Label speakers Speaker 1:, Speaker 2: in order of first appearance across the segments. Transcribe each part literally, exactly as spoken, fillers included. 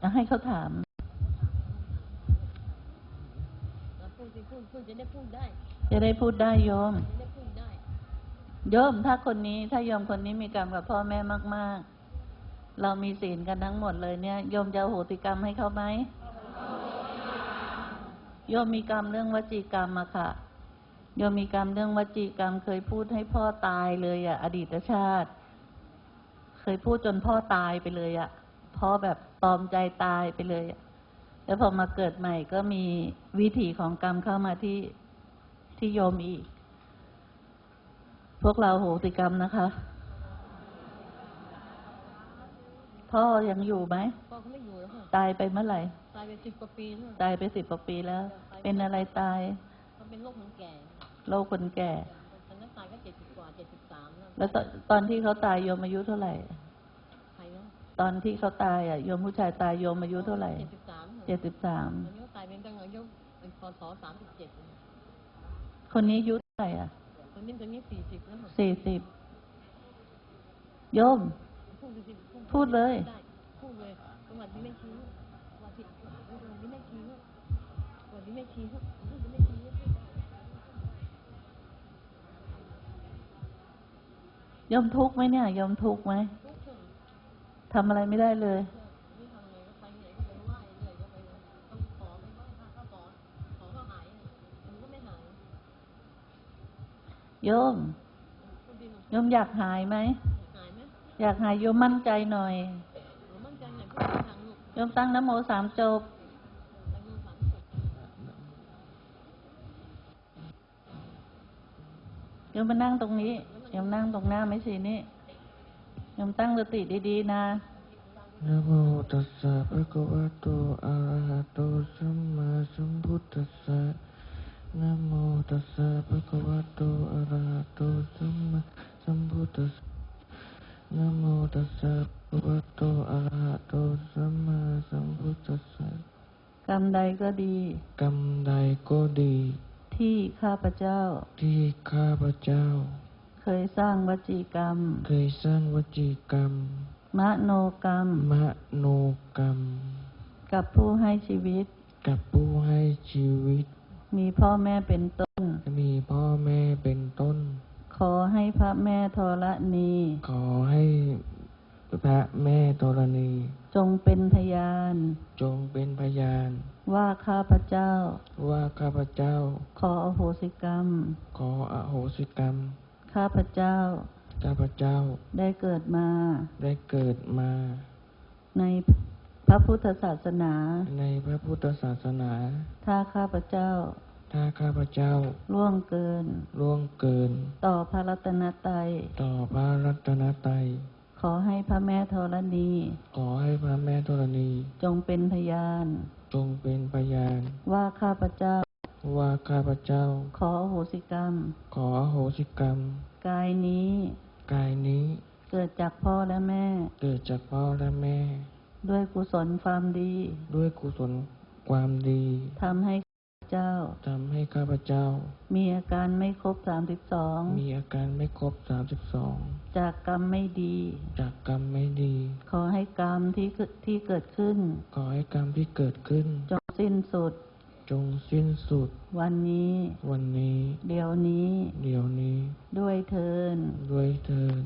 Speaker 1: ให้เขาถาม
Speaker 2: พูดสิพูดพูดจะได้พูดได้
Speaker 1: จะได้พูดได้โยม
Speaker 2: จะได้พูดได้
Speaker 1: โยมถ้าคนนี้ถ้าโยมคนนี้มีกรรมกับพ่อแม่มากๆเรามีศีลกันทั้งหมดเลยเนี่ยโยมจะโหติกรรมให้เขาไหมโยมมีกรรมเรื่องวจีกรรมอะค่ะโยมมีกรรมเรื่องวจีกรรมเคยพูดให้พ่อตายเลยอะอดีตชาติเคยพูดจนพ่อตายไปเลยอะพ่อแบบตอมใจตายไปเลยอะแล้วพอมาเกิดใหม่ก็มีวิถีของกรรมเข้ามาที่ที่โยมอีกพวกเราโหติกรรมนะคะพ่อยังอยู่ไหม
Speaker 2: พ่อเขาไม่อยู่แล้วค่ะ
Speaker 1: ตายไปเมื่อไหร่
Speaker 2: ตายไปสิบกว่าปีแล้ว
Speaker 1: ตายไปสิบกว่าปีแล้วเป็นอะไรตาย
Speaker 2: เขาเป็นโรคคนแก่
Speaker 1: โรคคนแก่
Speaker 2: ตอนนั้นตายก็เจ็ดสิบกว่าเจ็ดสิบสาม
Speaker 1: แล้วตอนที่เขาตายโยมอายุเท่าไหร่
Speaker 2: ใครนะ
Speaker 1: ตอนที่เขาตายอ่ะโยมผู้ชายตายโยมอายุเท่าไหร่
Speaker 2: เจ็ดสิบสาม
Speaker 1: เจ็ดสิบสาม
Speaker 2: ตอนนี้ตายเป็นตั้งอายุเป็นพศสามสิบเจ็ด
Speaker 1: คนนี้อายุเท่าไหร่อ่ะ
Speaker 2: คนนี้ตอนนี้สี่สิบแล้ว
Speaker 1: สี่สิบโยมพูดเลย
Speaker 2: พูดเลยสวัสดีแม่ชีสวัสดีสวัสดีแม่ชีสวัสดีแม่ชีพูดแม่ชี
Speaker 1: ยมทุกข์ไหมเนี่ยยมทุกข์ไหมทำอะไรไม่ได้เลยโยมโยมอยากหายไหมอยากหายโยมมั่นใจหน่อยโยมตั้งนะโมสามจบโยมมานั่งตรงนี้โยมนั่งตรงหน้าไม่ใช่นี่โยมตั้งสติดีๆนะ
Speaker 3: นะโมตัสสะภะคะวะโตอะระหะโตสัมมาสัมพุทธัสสะนะโมตัสสะภะคะวะโตอะระหะโตสัมมาสัมพุทธัสสะนะโมตัสสะภะคะวะโตอะระหะโตสัมมาสัมพุทธัสสะ
Speaker 1: กรรมใดก็ดี
Speaker 3: กรรมใดก็ดี
Speaker 1: ที่ข้าพเจ้า
Speaker 3: ที่ข้าพเจ้า
Speaker 1: เคยสร้างวจีกรรม
Speaker 3: เคยสร้างวจีกรรม
Speaker 1: มโนกรรม
Speaker 3: มโนกรรม
Speaker 1: กับผู้ให้ชีวิต
Speaker 3: กับผู้ให้ชีวิต
Speaker 1: มีพ่อแม่เป็นต้น
Speaker 3: มีพ่อแม่เป็นต้น
Speaker 1: ขอให้พระแม่ธรณี
Speaker 3: ขอให้พระแม่ธรณี
Speaker 1: จงเป็นพยาน
Speaker 3: จงเป็นพยาน
Speaker 1: ว่าข้าพเจ้า
Speaker 3: ว่าข้าพเจ้า
Speaker 1: ขออโหสิกรรม
Speaker 3: ขออโหสิกรรม
Speaker 1: ข้าพเจ้า
Speaker 3: ข้าพเจ้า
Speaker 1: ได้เกิดมา
Speaker 3: ได้เกิดมา
Speaker 1: ในพระพุทธศาสนา
Speaker 3: ในพระพุทธศาสนา
Speaker 1: ถ้าข้าพเจ้า
Speaker 3: ถ้าข้าพเจ้า
Speaker 1: ล่วงเกิน
Speaker 3: ล่วงเกิน
Speaker 1: ต่อพระรัตนตรัย
Speaker 3: ต่อพระรัตนตรัย
Speaker 1: ขอให้พระแม่ธรณี
Speaker 3: ขอให้พระแม่ธรณี
Speaker 1: จงเป็นพยาน
Speaker 3: จงเป็นพยาน
Speaker 1: ว่าข้าพเจ้า
Speaker 3: ว่าข้าพเจ้า
Speaker 1: ขออโหสิกรรม
Speaker 3: ขออโหสิกรรม
Speaker 1: กายนี้
Speaker 3: กายนี้
Speaker 1: เกิดจากพ่อและแม่
Speaker 3: เกิดจากพ่อและแม่
Speaker 1: ด้วยกุศลความดี
Speaker 3: ด้วยกุศลความดี
Speaker 1: ทำให้เจ้า
Speaker 3: ทำให้ข้าพเจ้า
Speaker 1: มีอาการไม่ครบสามสิบสอง
Speaker 3: มีอาการไม่ครบสามสิบสอง
Speaker 1: จากกรรมไม่ดี
Speaker 3: จากกรรมไม่ดี
Speaker 1: ขอให้กรรมที่ที่เกิดขึ้น
Speaker 3: ขอให้กรรมที่เกิดขึ้น
Speaker 1: จงสิ้นสุด
Speaker 3: จงสิ้นสุด
Speaker 1: วันนี้
Speaker 3: วันนี้
Speaker 1: เดี๋ยวนี้
Speaker 3: เดี๋ยวนี้
Speaker 1: ด้วยเทิน
Speaker 3: ด้วยเทิน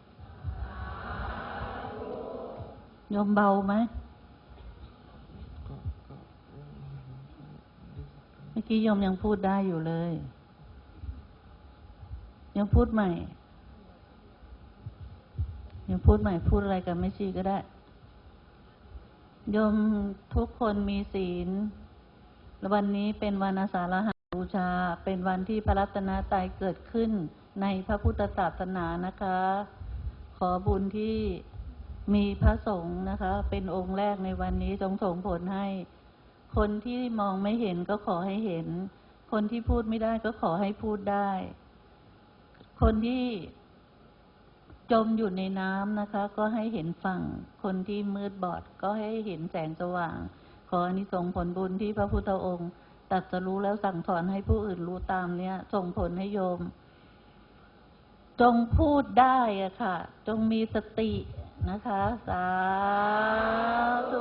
Speaker 1: โยมเบาไหมเมื่อกี้โยมยังพูดได้อยู่เลยยังพูดใหม่ยังพูดใหม่พูดอะไรกันไม่ชี้ก็ได้โยมทุกคนมีศีลและวันนี้เป็นวันอาสาฬหบูชาเป็นวันที่พระรัตนตรัยเกิดขึ้นในพระพุทธศาสนานะคะขอบุญที่มีพระสงฆ์นะคะเป็นองค์แรกในวันนี้จงส่งผลให้คนที่มองไม่เห็นก็ขอให้เห็นคนที่พูดไม่ได้ก็ขอให้พูดได้คนที่จมอยู่ในน้ำนะคะก็ให้เห็นฝั่งคนที่มืดบอดก็ให้เห็นแสงสว่างขออานิสงส์ผลบุญที่พระพุทธองค์ตรัสรู้แล้วสั่งสอนให้ผู้อื่นรู้ตามเนี้ยส่งผลให้โยมจงพูดได้อะค่ะจงมีสตินะคะ สาธุ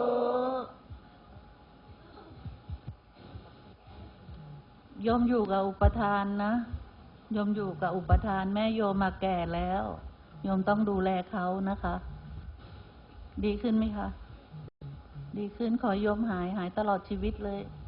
Speaker 1: โยมอยู่กับอุปทานนะโยมอยู่กับอุปทานแม่โยมมาแก่แล้วโยมต้องดูแลเขานะคะ ดีขึ้นไหมคะ ดีขึ้นขอโยมหายหายตลอดชีวิตเลย